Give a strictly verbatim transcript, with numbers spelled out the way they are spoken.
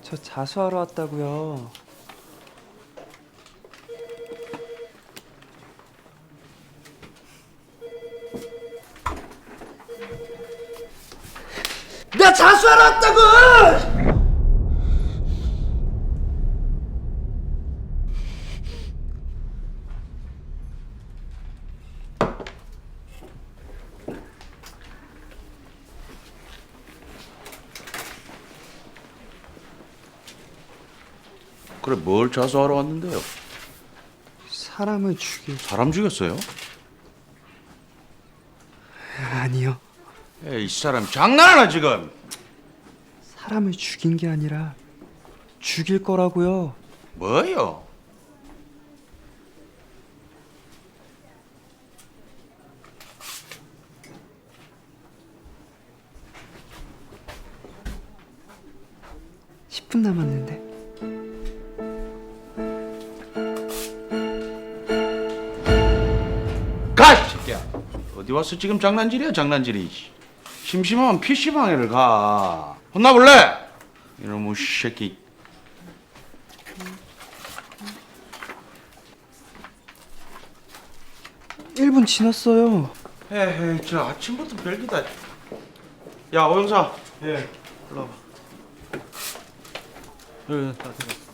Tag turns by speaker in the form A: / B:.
A: 저 자수하러 왔다고요. 나 자수하러 왔다고!
B: 그래 뭘 자수하러 왔는데요?
A: 사람을 죽인...
B: 사람 죽였어요?
A: 아니요.
B: 에이 이 사람 장난하나 지금?
A: 사람을 죽인 게 아니라 죽일 거라고요.
B: 뭐요?
A: 십 분 남았는데.
B: 가! 이 새끼야 어디 와서 지금 장난질이야 장난질이. 심심하면 피시방에를 가. 혼나볼래? 이놈의 새끼.
A: 일 분 지났어요.
B: 에헤이 저 아침부터 별기다. 야 오영사. 예. 일로 와봐. 여기 다 들어.